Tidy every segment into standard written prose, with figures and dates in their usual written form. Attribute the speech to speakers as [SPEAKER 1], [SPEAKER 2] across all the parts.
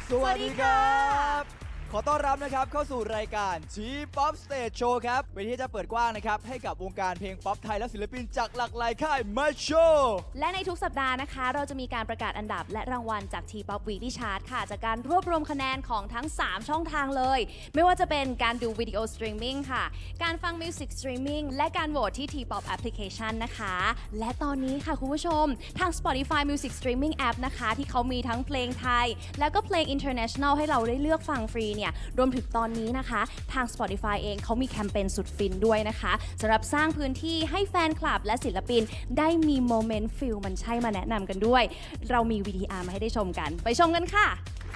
[SPEAKER 1] สวัสดีครับขอต้อนรับนะครับเข้าสู่รายการชีป๊อปสเตจโชว์ครับเวทีที่จะเปิดกว้างนะครับให้กับวงการเพลงป๊อปไทยและศิลปินจากหลากหลายค่ายมาโชว์
[SPEAKER 2] และในทุกสัปดาห์นะคะเราจะมีการประกาศอันดับและรางวัลจาก T-POP Weekly Chart ค่ะจากการรวบรวมคะแนนของทั้ง 3 ช่องทางเลยไม่ว่าจะเป็นการดูวิดีโอสตรีมมิ่งค่ะการฟังมิวสิกสตรีมมิ่งและการโหวตที่ T-POP Application นะคะและตอนนี้ค่ะคุณผู้ชมทาง Spotify Music Streaming App นะคะที่เขามีทั้งเพลงไทยแล้วก็เพลง International ให้เราได้เลือกฟังฟรีเนี่ยรวมถึงตอนนี้นะคะทาง Spotify เองเขามีแคมเปญสุดฟินด้วยนะคะสำหรับสร้างพื้นที่ให้แฟนคลับและศิลปินได้มีโมเมนต์ฟิลมันใช่มาแนะนำกันด้วยเรามี VTR มาให้ได้ชมกันไปชมกันค่ะ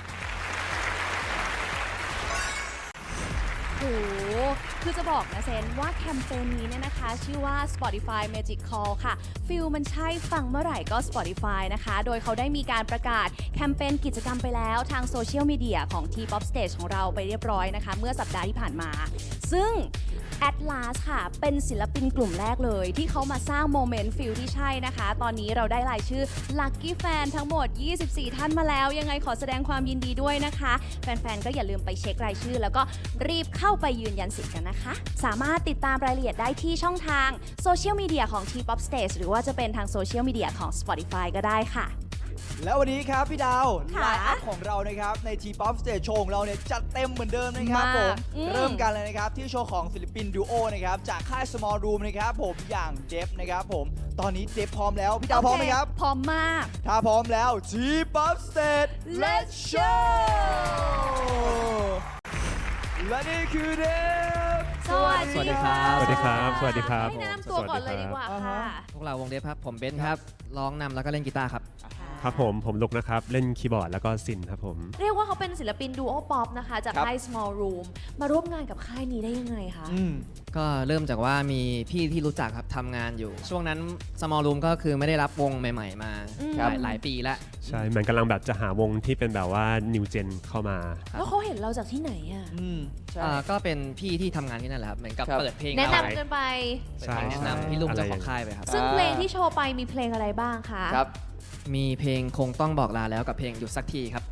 [SPEAKER 2] โอ้คือจะบอกนะเซนว่าแคมเปญนี้เนี่ยนะคะชื่อว่า Spotify Magic Call ค่ะฟิลมันใช่ฟังเมื่อไหร่ก็ Spotify นะคะโดยเขาได้มีการประกาศแคมเปญกิจกรรมไปแล้วทางโซเชียลมีเดียของ T-POP Stage ของเราไปเรียบร้อยนะคะเมื่อสัปดาห์ที่ผ่านมาซึ่ง Atlas ค่ะเป็นศิลปินกลุ่มแรกเลยที่เขามาสร้างโมเมนต์ฟิลที่ใช่นะคะตอนนี้เราได้รายชื่อ Lucky Fan ทั้งหมด24ท่านมาแล้วยังไงขอแสดงความยินดีด้วยนะคะแฟนๆก็อย่าลืมไปเช็ครายชื่อแล้วก็รีบเข้าไปยืนยันสิทธิ์กันนะคะสามารถติดตามรายละเอียดได้ที่ช่องทางโซเชียลมีเดียของ T-POP Stage หรือว่าจะเป็นทางโซเชียลมีเดียของ Spotify ก็ได้ค่ะ
[SPEAKER 1] แล้ววันนี้ครับพี่ดาวไลน์อัพของเรานะครับใน T-POP Stage Show ของเราเนี่ยจัดเต็มเหมือนเดิมนะครับผมเริ่มกันเลยนะครับที่โชว์ของศิลปินดูโอนะครับจากค่าย Small Room นะครับผมอย่างเดฟนะครับผมตอนนี้เดฟพร้อมแล้วพี่ดาวพร้อมไหมครับ
[SPEAKER 2] พร้อมมาก
[SPEAKER 1] ถ้าพร้อมแล้ว T-POP Stage Let's Show และนี่คือเดฟ
[SPEAKER 2] สวัสดีครับ
[SPEAKER 3] สวัสดีครับสวัสดีครับ
[SPEAKER 2] ให้แนะนำตัวก่อนเลยดีกว่าค่ะ
[SPEAKER 4] พวกเราวงเดฟครับผมเบนซ์ครับร้องนำแล้วก็เล่นกีตาร์ครับ
[SPEAKER 3] ครับผมลุกนะครับเล่นคีย์บอร์ดแล้วก็ซินครับผม
[SPEAKER 2] เรียกว่าเขาเป็นศิลปินดูโอป๊อปนะคะจากค่าย Small Room มาร่วมงานกับค่ายนี้ได้ยังไงคะ
[SPEAKER 4] ก็เริ่มจากว่ามีพี่ที่รู้จักครับทำงานอยู่ช่วงนั้น Small Room ก็คือไม่ได้รับวงใหม่ๆมาหลายปีแล้ว
[SPEAKER 3] ใช่เหมือนกำลังแบบจะหาวงที่เป็นแบบว่า New Gen เข้ามา
[SPEAKER 2] แล้วเขาเห็นเราจากที่ไหนอ่ะ
[SPEAKER 4] ก็เป็นพี่ที่ทำงานที่นั่นแหละครับเหมือนกับเปิดเพลง
[SPEAKER 2] แนะนำกันไป
[SPEAKER 4] แนะนำพี่ลุงเจ้าของค่ายไปครับ
[SPEAKER 2] ซึ่งเพลงที่โชว์ไปมีเพลงอะไรบ้างคะ
[SPEAKER 4] ครับมีเพลงคงต้องบอกลาแล้วกับเพลงหยุดสักทีครับ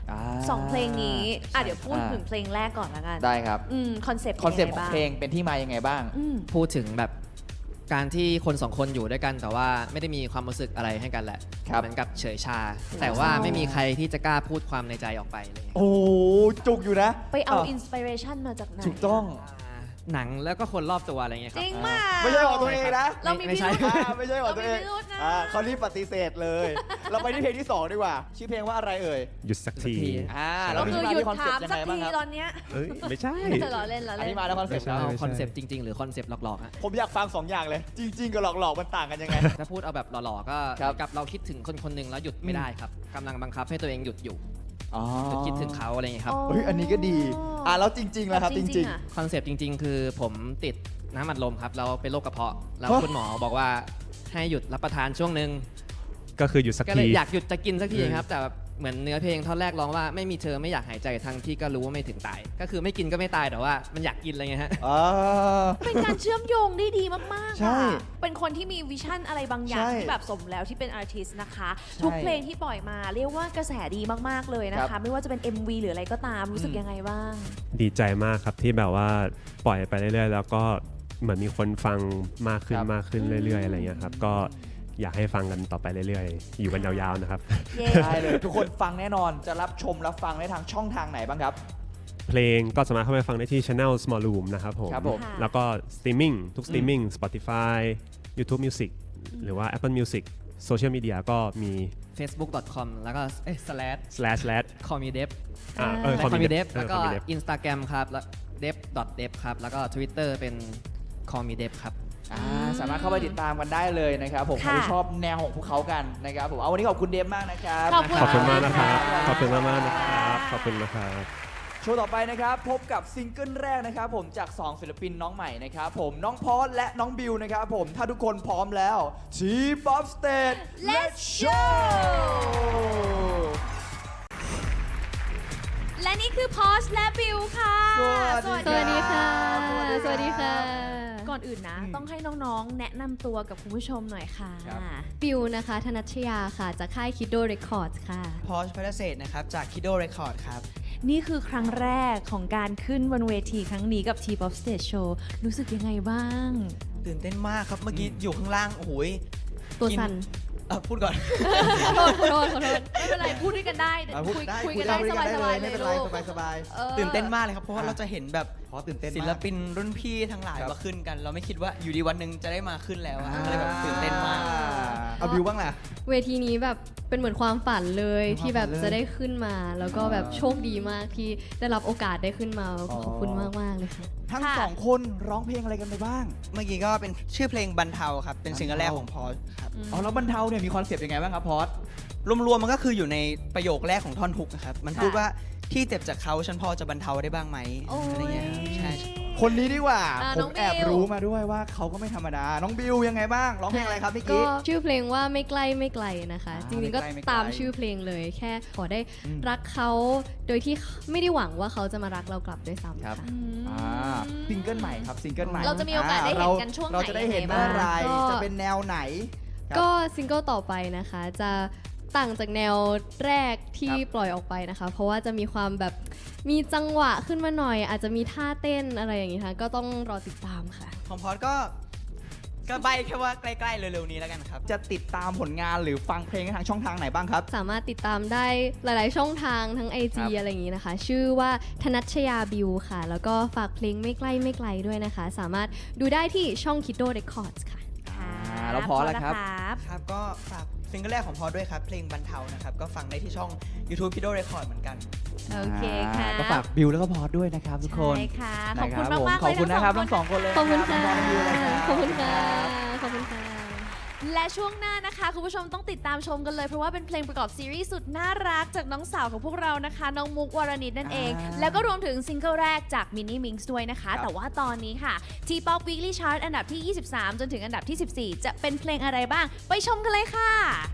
[SPEAKER 2] 2เพลงนี้เดี๋ยวพูดถึงเพลงแรกก่อนละกัน
[SPEAKER 1] ได้ครับ
[SPEAKER 2] คอนเซปต์
[SPEAKER 1] ของเพลงเป็นที่มายังไงบ้าง
[SPEAKER 4] พูดถึงแบบการที่คน2คนอยู่ด้วยกันแต่ว่าไม่ได้มีความรู้สึกอะไรให้กันแหละเหมือนกับเฉยชาแต่ว่าไม่มีใครที่จะกล้าพูดความในใจออกไปเลย
[SPEAKER 1] โอ้จุกอยู่นะ
[SPEAKER 2] ไปเอาอินสปิเรชันมาจากไหน
[SPEAKER 1] ถูกต้อง
[SPEAKER 4] หนังแล้วก็คนรอบตัวอะไรเงี้ยครับ
[SPEAKER 2] จริงมาก
[SPEAKER 1] ไม่ใช่ของตัวเองนะ
[SPEAKER 2] เรามีพิรุธ
[SPEAKER 1] ไม่ใช่ของตัวเองเขารีบปฏิเสธเลยเราไปที่เพลงที่2ดีกว่าชื่อเพลงว่าอะไรเอ่ย
[SPEAKER 3] หยุดสักที
[SPEAKER 1] เรา
[SPEAKER 2] คือหยุดถามสักทีตอนเนี้ย
[SPEAKER 3] ไม่ใช่
[SPEAKER 2] เราเล่น
[SPEAKER 1] อันนี้มาแล้วคอนเซ็ปต์
[SPEAKER 4] คอนเซ็ปต์จริงๆหรือคอนเซ็ปต์หลอกๆฮะ
[SPEAKER 1] ผมอยากฟัง2อย่างเลยจริงๆกับหลอกๆมันต่างกันยังไง
[SPEAKER 4] ถ้าพูดเอาแบบหล่อๆก็กับเราคิดถึงคนคนหนึ่งแล้วหยุดไม่ได้ครับกำลังบังคับให้ตัวเองหยุดอยู่คิดถึงเขาอะไรอย่างเงี้ยครับ
[SPEAKER 1] อันนี้ก็ดีแล้วจริงๆแล้วครับจริง
[SPEAKER 4] ๆคอนเซปต์จริงๆคือผมติดน้ำอัดลมครับเราเป็นโรคกระเพาะแล้วคุณหมอบอกว่าให้หยุดรับประทานช่วงนึง
[SPEAKER 3] ก็คือหยุดสักที
[SPEAKER 4] ก็เลยอยากหยุดจะกินสักทีครับแต่เหมือนเนื้อเพลงท่อนแรกร้องว่าไม่มีเธอไม่อยากหายใจทั้งที่ก็รู้ว่าไม่ถึงตายก็คือไม่กินก็ไม่ตายแต่ว่ามันอยากกินอะไรเงี้ยฮะ
[SPEAKER 2] เป็นการเชื่อมโยงได้ดีมากๆค่ะเป็นคนที่มีวิชั่นอะไรบางอย่างที่แบบสมแล้วที่เป็นอาร์ติสต์นะคะทุกเพลงที่ปล่อยมาเรียกว่ากระแสดีมากๆเลยนะคะไม่ว่าจะเป็น MV หรืออะไรก็ตามรู้สึกยังไงบ้าง
[SPEAKER 3] ดีใจมากครับที่แบบว่าปล่อยไปเรื่อยๆแล้วก็เหมือนมีคนฟังมากขึ้นเรื่อยๆอะไรเงี้ยครับก็อยากให้ฟังกันต่อไปเรื่อยๆอยู่กันยาวๆนะครับ
[SPEAKER 1] ได้เลยทุกคนฟังแน่นอนจะรับชมรับฟังได้ทางช่องทางไหนบ้างครับ
[SPEAKER 3] เพลงก็สามารถเข้าไปฟังได้ที่ Channel Small Room นะครับผมแล้วก็สตรีมมิ่งทุกสตรีมมิ่ง Spotify YouTube Music หรือว่า Apple Music โซเชียลมีเดียก็มี
[SPEAKER 4] facebook.com แล้วก็
[SPEAKER 3] /callmedev
[SPEAKER 4] callmedev แล้วก็ Instagram ครับแล้ว dev.dev ครับแล้วก็ Twitter เป็น callmedev ครับ
[SPEAKER 1] สามารถเข้าไปติดตามกันได้เลยนะครับผมใครชอบแนวของพวกเขากันนะครับผมวันนี้ขอบคุณเดฟมากนะครับ
[SPEAKER 3] ขอบคุณมากนะครับขอบคุณมากนะครับขอบคุณนะครับ
[SPEAKER 1] โชว์ต่อไปนะครับพบกับซิงเกิลแรกนะครับผมจาก2ศิลปินน้องใหม่นะครับผมน้องพอสและน้องบิวนะครับผมถ้าทุกคนพร้อมแล้ว T-POP Stage Let's Show
[SPEAKER 2] และนี่คือพอชและบิวค่ะ
[SPEAKER 1] สวัสดีค่ะ
[SPEAKER 5] สวัสดีค่ะ
[SPEAKER 2] ก่อนอื่นนะ ต้องให้น้องๆ แนะนำตัวกับคุณผู้ชมหน่อยค่ะ
[SPEAKER 5] บิวนะคะ ธนัชยาค่ะ จากค่าย Kiddo Records ค่ะ
[SPEAKER 6] พอชพัฒเศษนะครับ จาก Kiddo Record ครับ
[SPEAKER 2] นี่คือครั้งแรกของการขึ้นบนเวทีครั้งนี้กับ T-POP Stage Show รู้สึกยังไงบ้าง
[SPEAKER 6] ตื่นเต้นมากครับ เมื่อกี้อยู่ข้างล่าง โอ้โหย
[SPEAKER 5] ตัวสั่น
[SPEAKER 6] พูดก่อน
[SPEAKER 5] ขอโทษ
[SPEAKER 2] ไม่เป็นไร พูดด้วยกันได้
[SPEAKER 1] พูด
[SPEAKER 2] คุยกันได้สบายๆเลย
[SPEAKER 1] ไม่เป็นไร
[SPEAKER 2] ลูก
[SPEAKER 1] สบาย
[SPEAKER 6] ตื่นเต้นมากเลยครับ เพราะว่าเราจะเห็นแบบ
[SPEAKER 1] ๆขอตื่นเต้น
[SPEAKER 6] ศิล
[SPEAKER 1] มาก
[SPEAKER 6] ปินรุ่นพี่ทั้งหลาย
[SPEAKER 1] ครับ
[SPEAKER 6] มาขึ้นกัน เราไม่คิดว่าอยู่ดีวันหนึ่งจะได้มาขึ้นแล้วอะก็เลยแบบตื่นเต้นมาก
[SPEAKER 1] เอาบิวบ้างล่ะ
[SPEAKER 5] เวทีนี้แบบเป็นเหมือนความฝันเลย
[SPEAKER 1] เป็นความ
[SPEAKER 5] ที่แบบ
[SPEAKER 1] ฝันเลย
[SPEAKER 5] จะได้ขึ้นมา แล้วก็แบบโชคดีมากที่ได้รับโอกาสได้ขึ้นมา
[SPEAKER 1] อ๋อ
[SPEAKER 5] ขอบคุณมากๆเลยค่ะ
[SPEAKER 1] ทั้ง
[SPEAKER 2] ค่ะ
[SPEAKER 1] สองคนร้องเพลงอะไรกันไปบ้าง
[SPEAKER 6] เมื่อกี้ก็เป็นชื่อเพลงบรรเทาครับ เป็นซิงเกิลแรกของพอชครับ
[SPEAKER 1] อ๋อแล้วบรรเทาเนี่ยมีคอนเซปต์ยังไงบ้างครับพอส
[SPEAKER 6] รวมๆมันก็คืออยู่ในประโยคแรกของท่อนฮุกนะครับ มันพูดว่าที่เจ็บจากเขาฉันพอจะบรรเทาได้บ้างไหม
[SPEAKER 2] โอ้ย
[SPEAKER 6] อะไรเงี้ยครับใช่
[SPEAKER 1] คนนี้ดีกว่า
[SPEAKER 2] อ่า
[SPEAKER 1] ผ
[SPEAKER 2] น้อ
[SPEAKER 1] ม
[SPEAKER 2] ง
[SPEAKER 1] แอบ
[SPEAKER 2] บิว
[SPEAKER 1] รู้มาด้วยว่าเขาก็ไม่ธรรมดา น้องบิวยังไงบ้าง ร้องเพลงอะไรครับเมื่อ
[SPEAKER 5] ก็
[SPEAKER 1] กี้
[SPEAKER 5] ชื่อเพลงว่าไม่ใกล้ไม่ไกลนะคะ
[SPEAKER 1] อ่า
[SPEAKER 5] จริงๆก็
[SPEAKER 1] ไม่ไกลไม่ไกล
[SPEAKER 5] ตามชื่อเพลงเลย แค่ขอได้
[SPEAKER 1] อืม
[SPEAKER 5] รักเขาโดยที่ไม่ได้หวังว่าเขาจะมารักเรากลับด้วยซ้ำ
[SPEAKER 1] ครับ
[SPEAKER 5] ค่ะ
[SPEAKER 1] ซิงเกิลใหม่ครับซิงเกิลใหม่
[SPEAKER 2] เราจะมีโอกาสได้เห็นกันช่วงไหน
[SPEAKER 1] เราจะได้เห็น
[SPEAKER 2] ยังไง
[SPEAKER 1] เมื่อไหร
[SPEAKER 5] บ้าง
[SPEAKER 1] จะเป็นแนวไหน ครับ
[SPEAKER 5] ก็ซิงเกิลต่อไปนะคะ จะต่างจากแนวแรกที่
[SPEAKER 1] ครับ
[SPEAKER 5] ปล่อยออกไปนะคะ เพราะว่าจะมีความแบบมีจังหวะขึ้นมาหน่อย อาจจะมีท่าเต้นอะไรอย่างงี้ค่ะก็ต้องรอติดตามค่ะ
[SPEAKER 6] ของพอชก็ใบแค่ว่าใกล้ๆเร็วๆนี้แล้วกันครับ
[SPEAKER 1] จะติดตามผลงานหรือฟังเพลงทางช่องทางไหนบ้างครับ
[SPEAKER 5] สามารถติดตามได้หลาย ๆ ช่องทางทั้ง IG
[SPEAKER 1] ครับ
[SPEAKER 5] อะไรอย่างงี้นะคะ ชื่อว่าธนัชยาบิวค่ะ แล้วก็ฝากเพลงไม่ใกล้ไม่ไกลด้วยนะคะ สามารถดูได้ที่ช่อง Kiddo Records ค่ะ
[SPEAKER 1] แล้วพอแล้วครับ
[SPEAKER 6] ครับก็ฝากซิงเกิลแรกของพอด้วยครับ เพลงบรรเทานะครับ ก็ฟังได้ที่ช่อง YouTube Kiddo Record เหมือนกัน
[SPEAKER 2] โอเคค่ะ
[SPEAKER 1] ก็ฝากบิวแล้วก็พอสด้วยนะครับทุกคน
[SPEAKER 2] ใช่ค่ะ ข
[SPEAKER 1] นะ
[SPEAKER 2] อบ
[SPEAKER 1] ค
[SPEAKER 2] คุณ
[SPEAKER 1] รับ
[SPEAKER 2] มากๆ
[SPEAKER 1] ขอบ
[SPEAKER 2] เลย
[SPEAKER 1] คุณนะครับทั้งสองคนเลย
[SPEAKER 5] ขอบคุณค่ะ
[SPEAKER 1] รับบิวเลยรับ
[SPEAKER 5] ขอบคุณค่ะ ขอบคุณค่ะ
[SPEAKER 2] และช่วงหน้านะคะ คุณผู้ชมต้องติดตามชมกันเลย เพราะว่าเป็นเพลงประกอบซีรีส์สุดน่ารักจากน้องสาวของพวกเรานะคะ น้องมุกวรณิตนั่นเอง แล้วก็รวมถึงซิงเกิลแรกจากมินนี่มิงส์ด้วยนะคะ แต่ว่าตอนนี้ค่ะ T-POP Weekly Chart อันดับที่ 23 จนถึงอันดับที่ 14 จะเป็นเพลงอะไรบ้าง ไปชมกันเลยค่ะ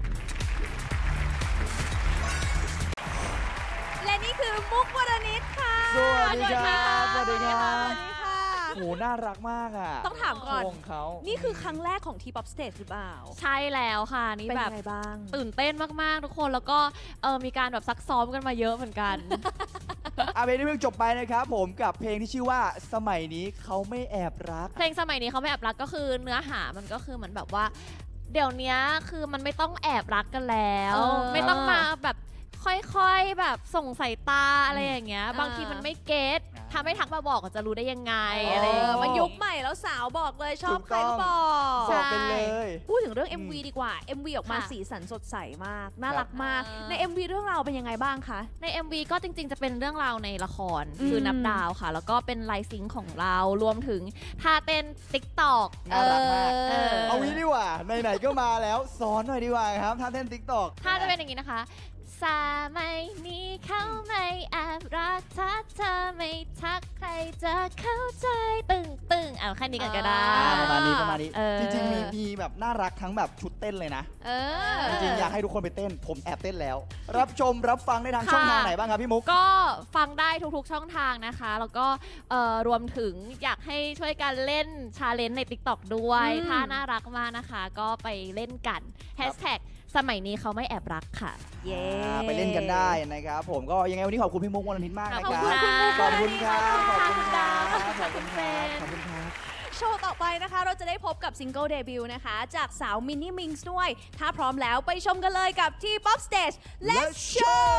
[SPEAKER 2] และนี่คือมุกวรณิตค่ะ
[SPEAKER 1] สวัสดีครับ
[SPEAKER 2] สวัสดีค่ะ
[SPEAKER 1] ส
[SPEAKER 2] ส
[SPEAKER 1] วั
[SPEAKER 2] วั
[SPEAKER 1] ส
[SPEAKER 2] ส
[SPEAKER 1] ดี
[SPEAKER 2] ดี
[SPEAKER 1] ครั
[SPEAKER 2] ค่ะ
[SPEAKER 1] โหน่ารักมากอ่ะ
[SPEAKER 2] ต้องถามก่อน
[SPEAKER 1] โชว์ของเขา
[SPEAKER 2] นี่คือครั้งแรกของ T-POP Stage หรือเปล่า
[SPEAKER 7] ใช่แล้วค่ะ นี่
[SPEAKER 2] เป็น
[SPEAKER 7] แบ
[SPEAKER 2] ยั
[SPEAKER 7] บ
[SPEAKER 2] งไงบ้าง
[SPEAKER 7] ตื่นเต้นมาก ๆ ทุกคนแล้วก็มีการแบบซักซ้อมกันมาเยอะเหมือนกัน
[SPEAKER 1] เพลงที่เพิ่งจบไปนะครับผมกับเพลงที่ชื่อว่าสมัยนี้เขาไม่แอบรัก
[SPEAKER 7] เพลงสมัยนี้เขาไม่แอบรักก็คือเนื้อหามันก็คือเหมือนแบบว่า เดี๋ยวนี้คือมันไม่ต้องแอบรักกันแล้ว ไม่ต้องมาแบบค่อยๆแบบส่งสายตาอะไรอย่างเงี้ย บางทีมันไม่เก็ตถ้าไม่ทักมาบอกก็จะรู้ได้ยังไงอะไรอย่างเงี้ย
[SPEAKER 2] มันยุคใหม่แล้วสาวบอกเลยชอบใครก็บอก
[SPEAKER 1] บอกไปเลย
[SPEAKER 2] พูดถึงเรื่อง MV ดีกว่า MV ออกมา
[SPEAKER 7] ค่ะ
[SPEAKER 2] สีสันสดใสมาก น่ารักมาก
[SPEAKER 7] อ่า
[SPEAKER 2] ใน MV เรื่องราวเป็นยังไงบ้างคะ
[SPEAKER 7] ใน MV ก็จริง ๆ จะเป็นเรื่องราวในละคร
[SPEAKER 2] อืม
[SPEAKER 7] คือนับดาวค่ะ แล้วก็เป็นไลฟ์ซิงค์ของเรารวมถึงท่าเต้น TikTok
[SPEAKER 1] น่ารักมาก
[SPEAKER 7] อ
[SPEAKER 1] เอางี้ดีกว่าไหนๆก็มาแล้วสอนหน่อยดีกว่าครับท่าเต้นติ๊กตอก
[SPEAKER 7] ถ้าจะเป็นอย่างนี้นะคะ สมัยนี้เขาไม่แอบรักถ้าเธอไม่ทักใครจะเข้าใจตึงเอาแค่นี้กันก็ได้
[SPEAKER 1] ประมาณนี้ประมาณนี้
[SPEAKER 7] เออ
[SPEAKER 1] จริงๆมีแบบน่ารักทั้งแบบชุดเต้นเลยนะ
[SPEAKER 7] เออ
[SPEAKER 1] จริงๆอยากให้ทุกคนไปเต้น ผมแอบเต้นแล้ว รับชมรับฟังได้ทาง
[SPEAKER 7] ค่ะ
[SPEAKER 1] ช่องทางไหนบ้างครับพี่มุก
[SPEAKER 7] ก็ฟังได้ทุกๆช่องทางนะคะ แล้วก็รวมถึงอยากให้ช่วยกันเล่นชาเลนจ์ใน TikTok ด้วย
[SPEAKER 2] อืม
[SPEAKER 7] ถ้าน่ารักมากนะคะ ก็ไปเล่นกันแฮชแท็กสมัยนี้เขาไม่แอบรักค่ะ
[SPEAKER 2] เย้
[SPEAKER 1] ไปเล่นกันได้นะครับผมก็ยังไงวันนี้ขอบคุณพี่มุกวรณิตมากนะ
[SPEAKER 7] ขอบ
[SPEAKER 1] ค
[SPEAKER 7] คุ
[SPEAKER 1] รั
[SPEAKER 7] ณ
[SPEAKER 1] บ
[SPEAKER 7] ค่ะ
[SPEAKER 1] ขอบคุณครับ ขอบคุณค
[SPEAKER 7] ข
[SPEAKER 1] รั
[SPEAKER 7] อ
[SPEAKER 1] บบ
[SPEAKER 7] คุณ
[SPEAKER 1] ขอบคุณครับ
[SPEAKER 7] ข
[SPEAKER 1] ข
[SPEAKER 7] อ
[SPEAKER 1] อ
[SPEAKER 7] บบ คุ
[SPEAKER 1] คุณ ณ
[SPEAKER 7] ค
[SPEAKER 1] ค
[SPEAKER 7] รั
[SPEAKER 1] รับ
[SPEAKER 2] โชว์ต่อไปนะคะ เราจะได้พบกับซิงเกิลเดบิวต์นะคะ จากสาวมินนี่มิงส์ด้วย ถ้าพร้อมแล้วไปชมกันเลยกับ T-POP Stage Let's Show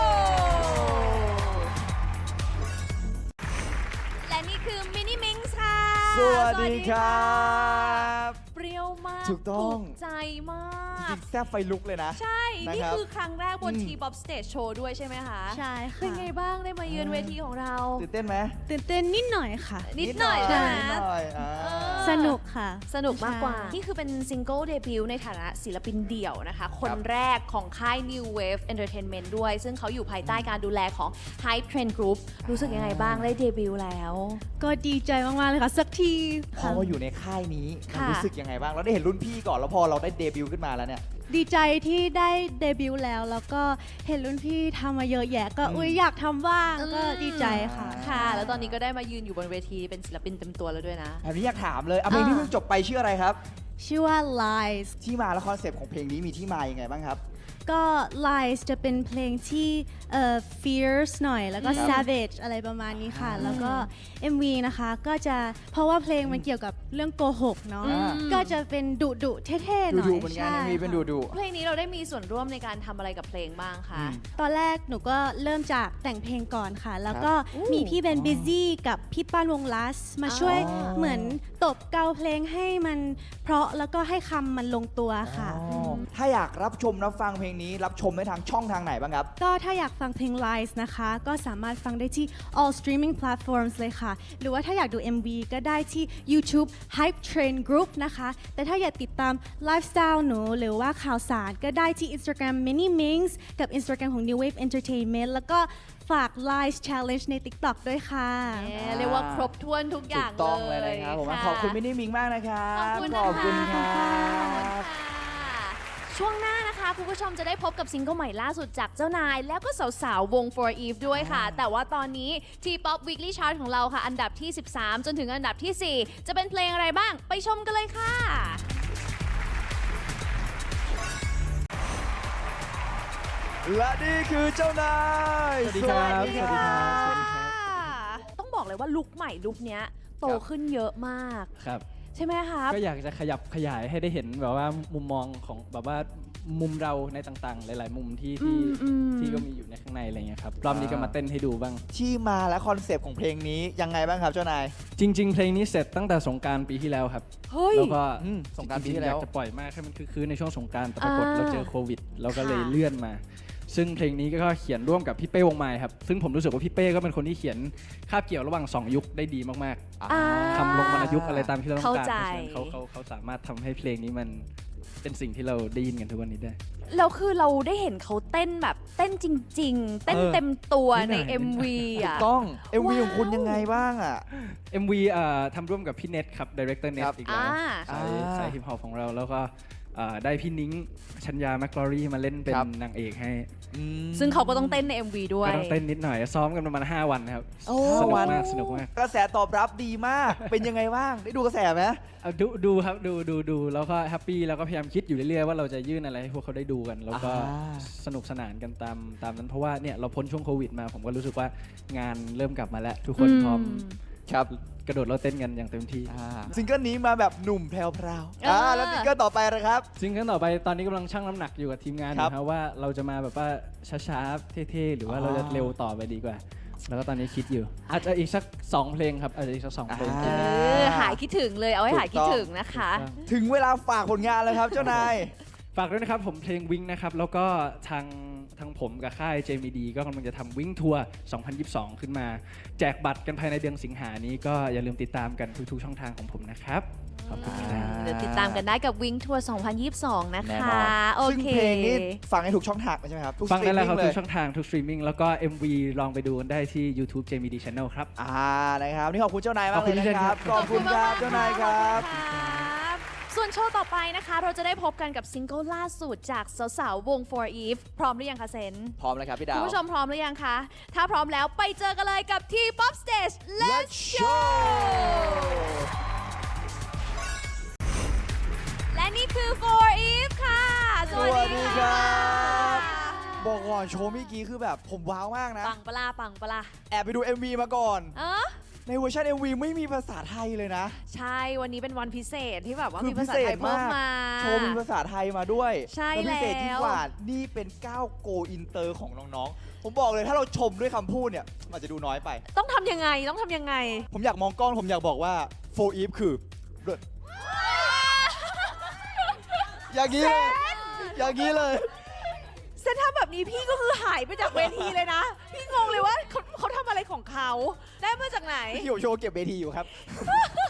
[SPEAKER 2] และนี่คือมินนี่มิงส์ค่ะ
[SPEAKER 1] สวัสดีครับ
[SPEAKER 2] เปรี้ยวมาก
[SPEAKER 1] ถูกต้อง
[SPEAKER 2] ใจมาก
[SPEAKER 1] จริงแซ่บไฟลุกเลยนะ
[SPEAKER 2] ใช่
[SPEAKER 1] นะ
[SPEAKER 2] นี่
[SPEAKER 1] ครับ
[SPEAKER 2] คือครั้งแรกบน
[SPEAKER 1] อืม
[SPEAKER 2] T-POP Stage Show ด้วยใช่ไหมคะ
[SPEAKER 5] ใช่ค่ะ
[SPEAKER 2] เป็นไงบ้างได้มาเยือนเวทีของเรา
[SPEAKER 1] ตื่นเต้นไหม
[SPEAKER 5] ตื่นเต้นนิดหน่อยค่ะ
[SPEAKER 2] นิดหน่อยใช่ไหม
[SPEAKER 1] นิดหน่อยา
[SPEAKER 5] สนุกค่ะ
[SPEAKER 2] สนุกมากกว่า
[SPEAKER 5] ใช่
[SPEAKER 2] นี่คือเป็นซิงเกิลเดบิวต์ในฐานะศิลปินเดี่ยวนะคะ คนแรกของค่าย New Wave Entertainment ด้วย ซึ่งเขาอยู่ภายใต้การดูแลของ Hype Trend Group รู้สึกยังไงบ้างได้เดบิวต์แล้ว
[SPEAKER 5] ก็ดีใจมากๆเลยค่ะ สักที
[SPEAKER 1] พอมาอยู่ในค่ายนี้มัน
[SPEAKER 2] ค่ะ
[SPEAKER 1] รู้สึกยังไงบ้าง เราได้เห็นรุ่นพี่ก่อนแล้วพอเราได้เดบิวต์ขึ้นมาแล้วเนี่ย
[SPEAKER 8] ดีใจที่ได้เดบิวต์แล้วก็เห็นรุ่นพี่ทำมาเยอะแยะก็อุ๊ยอยากทำบ้างก็ดีใจค่ะ
[SPEAKER 2] ค่ะ แล้วตอนนี้ก็ได้มายืนอยู่บนเวทีเป็นศิลปินเต็มตัวแล้วด้วยนะ
[SPEAKER 1] แบบนี้อยากถามเลยเพลงที่เพิ่งจบไปชื่ออะไรครับ
[SPEAKER 8] ชื่อว่า Lies
[SPEAKER 1] ที่มาและคอนเซปต์ของเพลงนี้มีที่มายังไงบ้างครับ
[SPEAKER 8] ก็ Lies จะเป็นเพลงที่fierce หน่อยแล้วก็ savage อะไรประมาณนี้ค่ะ แล้วก็ MV นะคะก็จะเพราะว่าเพลงมันเกี่ยวกับเรื่องโกหกเนาะ ก็จะเป็นดุเท่ๆหน่อย
[SPEAKER 1] ดูเหมือนกันมีเป็นดู
[SPEAKER 2] เพลงนี้เราได้มีส่วนร่วมในการทำอะไรกับเพลงบ้างคะ
[SPEAKER 8] ตอนแรกหนูก็เริ่มจากแต่งเพลงก่อนค่ะ แล้วก็มีพี่เบนบิซี่กับพี่ป้านวงลัสมาช่วยเหมือนตบเกาเพลงให้มันเพราะแล้วก็ให้คำมันลงตัวค่ะ
[SPEAKER 1] ถ้าอยากรับชมรับฟังเพลงนี้รับชมได้ทางช่องทางไหนบ้างครับ
[SPEAKER 8] ก็ถ้าอยากฟังเพลง Lies นะคะ ก็สามารถฟังได้ที่ all streaming platforms เลยค่ะ หรือว่าถ้าอยากดู MV ก็ได้ที่ YouTube Hype Train Group นะคะ แต่ถ้าอยากติดตามไลฟ์สไตล์หนูหรือว่าข่าวสารก็ได้ที่ Instagram Mini Mings กับ Instagram ของ New Wave Entertainment แล้วก็ฝาก Lies Challenge ใน TikTok ด้วยค่ะ
[SPEAKER 2] เรียกว่าครบถ้วนทุกอ
[SPEAKER 1] ถู
[SPEAKER 2] ย่าง
[SPEAKER 1] กต้องเลยนะครับผม
[SPEAKER 2] ะ
[SPEAKER 1] ขอบคุณมินนี่มิงมากนะครับ
[SPEAKER 2] ขอบคุณ
[SPEAKER 1] ขอบคุณ
[SPEAKER 2] ค่ะ
[SPEAKER 1] ครับ
[SPEAKER 2] ช่วงหน้านะคะคุณผู้ชมจะได้พบกับซิงเกิลใหม่ล่าสุดจากเจ้านาย แล้วก็สาวๆ วง For Eve ด้วยค่ะ แต่ว่าตอนนี้ T-POP Weekly Chart ของเราค่ะ อันดับที่ 13 จนถึงอันดับที่ 4 จะเป็นเพลงอะไรบ้างไปชมกันเลยค่ะ
[SPEAKER 1] และนี่คือเจ้านาย
[SPEAKER 6] สวัสดีครับ
[SPEAKER 1] สวัสดีครับ
[SPEAKER 2] ต้องบอกเลยว่าลุคใหม่ลุคเนี้ยโตขึ้นเยอะมาก
[SPEAKER 9] ครับ
[SPEAKER 2] ใช่ไหมครับ
[SPEAKER 9] ก็อยากจะขยับขยายให้ได้เห็นแบบว่ามุมมองของแบบว่ามุมเราในต่างๆ หลาย ๆ มุมที่ก็มีอยู่ในข้างในอะไรเงี้ยครับรอบนี้ก็มาเต้นให้ดูบ้าง
[SPEAKER 1] ที่มาและคอนเซปต์ของเพลงนี้ยังไงบ้างครับเจ้านาย
[SPEAKER 9] จริง ๆ เพลงนี้เสร็จตั้งแต่สงกรานต์ปีที่แล้วครับ
[SPEAKER 2] เฮ้ย
[SPEAKER 9] แล้วก็
[SPEAKER 1] สงกรานต์ปี
[SPEAKER 9] จ
[SPEAKER 1] ที่
[SPEAKER 9] ๆ
[SPEAKER 1] แล้ว
[SPEAKER 9] อยากจะปล่อยมากให้มันคือในช่วงสงกรานต์แต่ปรากฏ
[SPEAKER 2] อ่า
[SPEAKER 9] เราเจอโควิดเราก็เลย
[SPEAKER 2] ค่ะ
[SPEAKER 9] เลื่อนมา ซึ่งเพลงนี้ก็เขียนร่วมกับพี่เป้วงไม้ครับซึ่งผมรู้สึกว่าพี่เป้ก็เป็นคนที่เขียนคาบเกี่ยวระหว่าง2ยุคได้ดีมาก
[SPEAKER 2] อ่า
[SPEAKER 9] ๆทำลงวรรณยุกต์อะไรตามที่เราต้องการ
[SPEAKER 2] เข้าใจ
[SPEAKER 9] เพราะฉะนั้นเขาสามารถทำให้เพลงนี้มันเป็นสิ่งที่เราได้ยินกันทุกวันนี้ได้
[SPEAKER 2] แล้วคือเราได้เห็นเขาเต้นแบบเต้นจริง ๆ เต้นเต็มตัวใน
[SPEAKER 9] นิดหน่อย
[SPEAKER 2] MV
[SPEAKER 1] ถู
[SPEAKER 2] อ่ะ
[SPEAKER 1] กต้อง MV
[SPEAKER 2] ว้าว
[SPEAKER 1] ของคุณยังไงบ้างอ่ะ
[SPEAKER 9] MV ทำร่วมกับพี่เน็ตครับดีเรคเตอร์เน็ต
[SPEAKER 1] ครับ
[SPEAKER 9] อีกแล้ว
[SPEAKER 2] อ่า
[SPEAKER 9] สายฮิปฮอปของเราแล้วก็ได้พี่นิ้งชัญญาแมคลอรี่มาเล่นเป็น
[SPEAKER 1] ครับ
[SPEAKER 9] นางเอกให้
[SPEAKER 2] ซึ่งเขาก็ต้องเต้นใน MV ด้วย
[SPEAKER 9] ก็ต้องเต้นนิดหน่อยซ้อมกันประมาณ5 วันครับ
[SPEAKER 2] โอ้
[SPEAKER 9] สนุก
[SPEAKER 1] วัน
[SPEAKER 9] มากสนุกมาก
[SPEAKER 1] กระแสตอบรับดีมาก เป็นยังไงบ้าง ได้ดูกระแสไหม
[SPEAKER 9] ดูครับดูแล้วก็แฮปปี้แล้วก็พยายามคิดอยู่เรื่อยๆว่าเราจะยื่นอะไรให้พวกเขาได้ดูกัน แล้วก็
[SPEAKER 1] อ่า
[SPEAKER 9] สนุกสนานกันตามนั้นเพราะว่าเนี่ยเราพ้นช่วงโควิดมาผมก็รู้สึกว่างานเริ่มกลับมาแล้ว ทุกคนพร้อม
[SPEAKER 1] ครับ
[SPEAKER 9] กระโดดเราเต้นกันอย่างเต็มที่
[SPEAKER 1] ซิงเกิลนี้มาแบบหนุ่มแพรว แล้วซิงเกิลต่อไปนะครับ
[SPEAKER 9] ซิงเกิลต่อไปตอนนี้กำลังชั่งน้ำหนักอยู่กับทีมงานอ
[SPEAKER 1] ครับ
[SPEAKER 9] ยู่ครับว่าเราจะมาแบบว่าช้าๆเท่ๆหรือว่าเราจะเร็วต่อไปดีกว่า แล้วก็ตอนนี้คิดอยู่ อาจจะอีกสัก2เพลงครับอาจจะอีกสัก2เพลง
[SPEAKER 1] อ่า
[SPEAKER 2] หายคิดถึงเลยเอาให้หายคิดถึงนะคะ
[SPEAKER 1] ถึงเวลาฝากผลงานแล้วครับเจ้านาย
[SPEAKER 9] ฝากด้วยนะครับผมเพลงวิงนะครับแล้วก็ทางผมกับค่าย JMD ก็กำลังจะทำวิงทัวร์ 2022 ขึ้นมา แจกบัตรกันภายในเดือนสิงหานี้ก็อย่าลืมติดตามกันทุกๆช่องทางของผมนะครับ ขอบคุณครับ
[SPEAKER 2] เดี๋ยวติดตามกันได้กับวิงทัวร์ 2022 นะ
[SPEAKER 1] แน่
[SPEAKER 2] คะ
[SPEAKER 1] นอน
[SPEAKER 2] โอ
[SPEAKER 1] ซึ่ง
[SPEAKER 2] เค
[SPEAKER 1] เพลงนี้ฟังให้ถูกช่องทางใช่ไหมครับทุก
[SPEAKER 9] ฟังได้แล้วครับ
[SPEAKER 1] สต
[SPEAKER 9] ทุ
[SPEAKER 1] รีมมิ่
[SPEAKER 9] กช่องทางทุกสตรีมมิ่งแล้วก็ MV ลองไปดูกันได้ที่ YouTube JMD Channel ครับ
[SPEAKER 1] นะครับนี่ขอบคุณเจ้านายมาก
[SPEAKER 9] ขอบ
[SPEAKER 1] เล
[SPEAKER 9] คุ
[SPEAKER 1] ย
[SPEAKER 9] ณ
[SPEAKER 1] นะครับ
[SPEAKER 9] พี่เจนครับ
[SPEAKER 1] ขอบคุณครับเจ้านายครับ
[SPEAKER 2] ส่วนโชว์ต่อไปนะคะ เราจะได้พบกันกับซิงเกิลล่าสุดจากสาวๆวง For Eve พร้อมหรือยังคะเซน
[SPEAKER 1] พร้อมแล้วครับพี่ดาว
[SPEAKER 2] คุณผู้ชมพร้อมหรือยังคะ ถ้าพร้อมแล้วไปเจอกันเลยกับ T-POP Stage Let's Show และนี่คือ For Eve ค่ะ สวัสดีค่ะ
[SPEAKER 1] บอกก่อนโชว์เมื่อกี้คือแบบผมว้าวมากนะ
[SPEAKER 2] ปังปะลาปังปะลา
[SPEAKER 1] แอบไปดู MV มาก่อน
[SPEAKER 2] เออ
[SPEAKER 1] ในเวอร์ชัน MV ไม่มีภาษาไทยเลยนะ
[SPEAKER 2] ใช่ วันนี้เป็นวันพิเศษที่แบบว่า
[SPEAKER 1] คือ
[SPEAKER 2] มีภาษา
[SPEAKER 1] พิเศ
[SPEAKER 2] ไท
[SPEAKER 1] ษ
[SPEAKER 2] ยเพิ่ม
[SPEAKER 1] มาก
[SPEAKER 2] มา
[SPEAKER 1] โชว์มีภาษาไทยมาด้วย
[SPEAKER 2] ใช่
[SPEAKER 1] และพิเศษที่
[SPEAKER 2] แล้ว
[SPEAKER 1] กว่านี่เป็นก้าวโกอินเตอร์ของน้องๆ ผมบอกเลยถ้าเราชมด้วยคำพูดเนี่ยมันจะดูน้อยไป
[SPEAKER 2] ต้องทำยังไงต้องทำยังไง
[SPEAKER 1] ผมอยากมองกล้องผมอยากบอกว่า For Eve คือเลิศอย่างนี้เลยอย่างนี้เลย
[SPEAKER 2] เซนถ้าแบบนี้พี่ก็คือหายไปจากเวทีเลยนะ พี่งงเลยว่าเขาทำอะไรของเขาได้มาจากไหน
[SPEAKER 1] พี่โยโชว์เก็บเวทีอยู่ครับ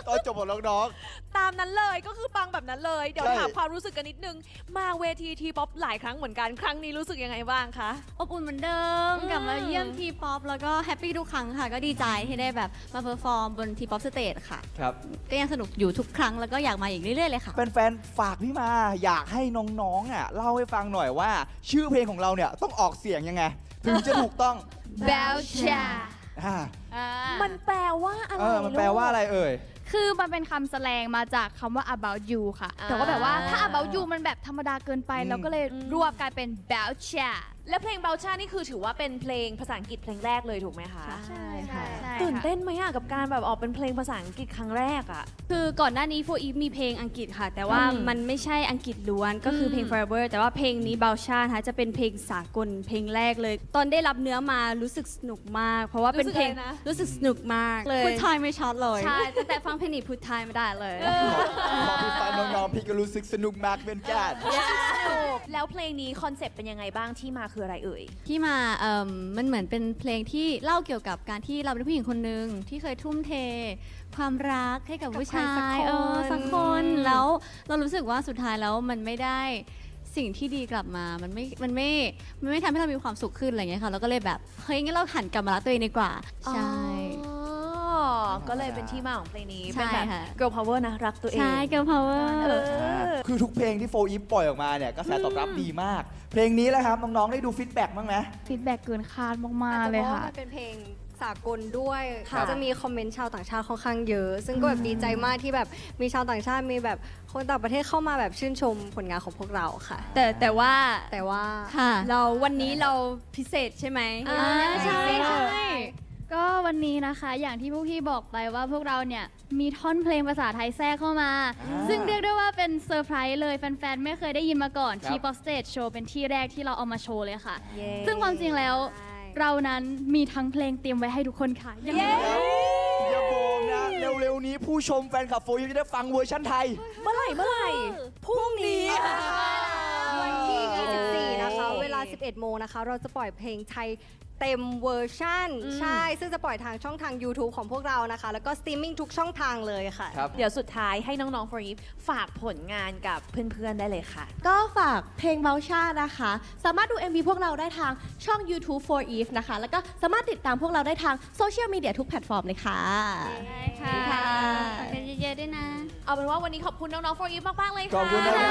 [SPEAKER 1] ตอนจบของน้อง
[SPEAKER 2] ตามนั้นเลยก็คือปังแบบนั้นเลย เดี๋ยว
[SPEAKER 1] ใช่
[SPEAKER 2] ถามความรู้สึกกันนิดนึง มาเวทีทีป๊อปหลายครั้งเหมือนกัน ครั้งนี้รู้สึกยังไงบ้างคะ
[SPEAKER 5] อบอุ่นเหมือนเดิมกลับมาเยี่ยมทีป๊อปแล้วก็แฮปปี้ทุกครั้งค่ะ ก็ดีใจที่ได้แบบมาเพอร์ฟอร์มบนทีป๊อปสเตจค่ะ
[SPEAKER 1] ๆครับ
[SPEAKER 5] ก็ยังสนุกอยู่ทุกครั้งแล้วก็อยากมาอีกเรื่อยๆเลยค่ะ
[SPEAKER 1] แฟนๆฝากพี่มาอยากให้น้องๆเล่าให้ฟังหน่อยว่า ชื่อเพลงของเราเนี่ยต้องออกเสียงยังไง ถึงจะถูกต้อง
[SPEAKER 5] Belcha
[SPEAKER 1] อ่า
[SPEAKER 2] มันแปลว่าอะไร
[SPEAKER 1] มันแปลว่าอะไรเอ่ย
[SPEAKER 10] คือมันเป็นคำแสลงมาจากคำว่า about you ค่ะ แต่ว่าแบบว่าถ้า about you มันแบบธรรมดาเกินไป เราก็เลยรวบกลายเป็น Belcha
[SPEAKER 2] และเพลงเบลชานี่คือถือว่าเป็นเพลงภาษาอังกฤษเพลงแรกเลยถูกไหมคะ
[SPEAKER 10] ใช่ค่ะ
[SPEAKER 2] ตื่นเต้นไหมอะกับการแบบออกเป็นเพลงภาษาอังกฤษครั้งแรกอะ
[SPEAKER 5] คือก่อนหน้านี้ For Eve มีเพลงอังกฤษค่ะ แต่ว่ามันไม่ใช่อังกฤษล้วนก็คือเพลง Forever แต่ว่าเพลงนี้ Belcha นะคะจะเป็นเพลงสากลเพลงแรกเลย ตอนได้รับเนื้อมารู้สึกสนุกมาก เพราะว่าเป็นเพลงรู้สึกสนุกมากเลยพูดไทยไม่ชัดเลยใช่ตั้งแต่ฟังเพลงนี้พูดไทยไม่ได้เลย
[SPEAKER 1] พอพี่ฟังน้องๆพี่ก็รู้สึกสนุกมากเหมือนกัน
[SPEAKER 2] แล้วเพลงนี้คอนเซปต์เป็นยังไงบ้างที่มาคืออะไรเอ่ย
[SPEAKER 5] ที่มามันเหมือนเป็นเพลงที่เล่าเกี่ยวกับการที่เราเป็นผู้หญิงคนหนึ่งที่เคยทุ่มเท ความรักให้กับผู้ชายสักคนแล้วเรารู้สึกว่าสุดท้ายแล้วมันไม่ได้สิ่งที่ดีกลับมา มันไม่ทำให้เรามีความสุขขึ้นอะไรเงี้ยค่ะเราก็เลยแบบเฮ้ยงั้นเราหันกลับมารักตัวเองดีกว่าใช่
[SPEAKER 2] ก็เลยเป็นที่มาของเพลงนี้
[SPEAKER 5] ใช่
[SPEAKER 2] เป็นแบบ
[SPEAKER 5] ค่ะ
[SPEAKER 2] girl power นะรักตัวเอง
[SPEAKER 5] ใช่ Girl Power
[SPEAKER 1] คือทุกเพลงที่โฟอีฟปล่อยออกมาเนี่ยกระแสตอบรับดีมาก เพลงนี้แหละครับน้องๆได้ดูฟีดแบ็กบ้างไหม
[SPEAKER 10] ฟีดแบ็กเกินคาดมากๆเลยค่ะ
[SPEAKER 11] มันเป็นเพลงสากลด้วย
[SPEAKER 2] ค่ะ
[SPEAKER 11] ก็จะมีคอมเมนต์ชาวต่างชาติค่อนข้างเยอะ ซึ่งก็แบบดีใจมากที่แบบมีชาวต่างชาติมีแบบคนต่างประเทศเข้ามาแบบชื่นชมผลงานของพวกเราค่ะ
[SPEAKER 5] แต่ว่า
[SPEAKER 11] แต่ว่า
[SPEAKER 5] ค่ะเราวันนี้เราพิเศษใช่ไหม
[SPEAKER 10] ใช่ก็วันนี้นะคะอย่างที่พวกพี่บอกไปว่าพวกเราเนี่ยมีท่อนเพลงภาษาไทยแทรกเข้ามา ซึ่งเรียกได้ว่าเป็นเซอร์ไพรส์เลยแฟนๆ ไม่เคยได้ยินมาก่อน
[SPEAKER 1] ครับ
[SPEAKER 10] ที่ Pop Stage Show เป็นที่แรกที่เราเอามาโชว์เลยค่ะ
[SPEAKER 2] เย้
[SPEAKER 10] ซึ่งความจริงแล้วเรานั้นมีทั้งเพลงเตรียมไว้ให้ทุกคนค่ะยังไง
[SPEAKER 1] อย่าบอกนะ เร็วๆนี้ผู้ชมแฟนคลับโฟอีฟจะได้ฟังเวอร์ชันไทย
[SPEAKER 2] เมื่อไหร่พรุ่งนี้ค่ะ
[SPEAKER 11] วันที่ 24 นะคะ เวลา 11 โมงนะคะ เราจะปล่อยเพลงไทยเต็มเวอร์ชั่น ใช่ ซึ่งจะปล่อยทางช่องทาง YouTube ของพวกเรานะคะ แล้วก็สตรีมมิ่งทุกช่องทางเลยค่ะ
[SPEAKER 2] เดี๋ยวสุดท้ายให้น้องๆ for Eve ฝากผลงานกับเพื่อนๆ ได้เลยค่ะ
[SPEAKER 12] ก็ฝากเพลงเบลชานะคะ สามารถดู MV พวกเราได้ทางช่อง YouTube for Eve นะคะ แล้วก็สามารถติดตามพวกเราได้ทางโซเชียลมีเดียทุกแพลตฟอร์มเลยค่ะ
[SPEAKER 5] ค่ะฝากกันเยอะๆด้วยนะ
[SPEAKER 2] เอาเป็นว่าวันนี้ขอบคุณน้องๆ for Eve มากๆ เลยค่ะ
[SPEAKER 1] ขอบคุณนะครับ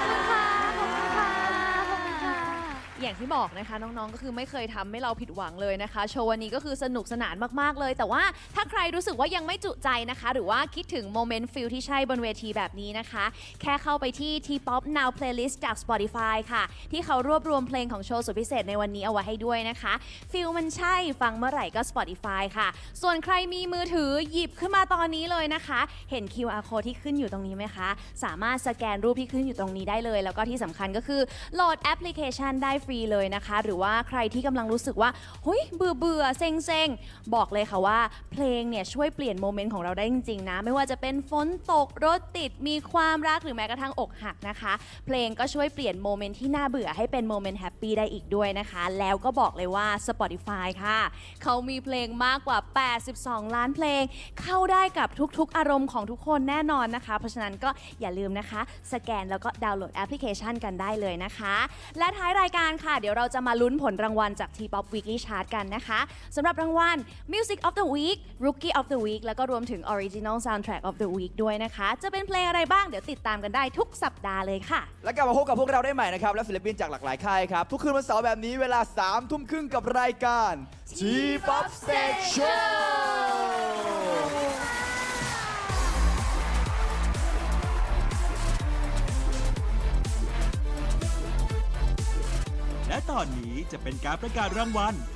[SPEAKER 2] อย่างที่บอกนะคะน้องๆ ก็คือไม่เคยทำให้เราผิดหวังเลยนะคะ โชว์วันนี้ก็คือสนุกสนานมากๆเลย แต่ว่าถ้าใครรู้สึกว่ายังไม่จุใจนะคะ หรือว่าคิดถึงโมเมนต์ฟิลที่ใช่บนเวทีแบบนี้นะคะ แค่เข้าไปที่ T-POP Now Playlist จาก Spotify ค่ะ ที่เขารวบรวมเพลงของโชว์สุดพิเศษในวันนี้เอาไว้ให้ด้วยนะคะฟิลมันใช่ฟังเมื่อไหร่ก็ Spotify ค่ะ ส่วนใครมีมือถือหยิบขึ้นมาตอนนี้เลยนะคะ เห็น QR code ที่ขึ้นอยู่ตรงนี้ไหมคะ สามารถสแกนรูปที่ขึ้นอยู่ตรงนี้ได้เลย แล้วก็ที่สำคัญก็คือโหลดแอปพลิเคชันได้ฟรีเลยนะคะ หรือว่าใครที่กำลังรู้สึกว่าเฮ้ยเบื่อเซ็งบอกเลยค่ะว่าเพลงเนี่ยช่วยเปลี่ยนโมเมนต์ของเราได้จริงๆนะไม่ว่าจะเป็นฝนตกรถติดมีความรักหรือแม้กระทั่งอกหักนะคะเพลงก็ช่วยเปลี่ยนโมเมนต์ที่น่าเบื่อให้เป็นโมเมนต์แฮปปี้ได้อีกด้วยนะคะแล้วก็บอกเลยว่า Spotify ค่ะเขามีเพลงมากกว่า82ล้านเพลงเข้าได้กับทุกๆอารมณ์ของทุกคนแน่นอนนะคะเพราะฉะนั้นก็อย่าลืมนะคะสแกนแล้วก็ดาวน์โหลดแอปพลิเคชันกันได้เลยนะคะและท้ายรายการค่ะเดี๋ยวเราจะมาลุ้นผลรางวัลจาก T-POP Weekly Chart กันนะคะสำหรับรางวัล Music of the Week Rookie of the Week แล้วก็รวมถึง Original Soundtrack of the Week ด้วยนะคะจะเป็นเพลงอะไรบ้างเดี๋ยวติดตามกันได้ทุกสัปดาห์เลยค่ะ
[SPEAKER 1] และกลับมาพบกับพวกเราได้ใหม่นะครับ และศิลปินจากหลากหลายค่ายครับ ทุกคืนวันเสาร์แบบนี้เวลา 3 ทุ่มครึ่งกับรายการ T-POP Stage Show
[SPEAKER 13] และตอนนี้จะเป็นการประกาศรางวัล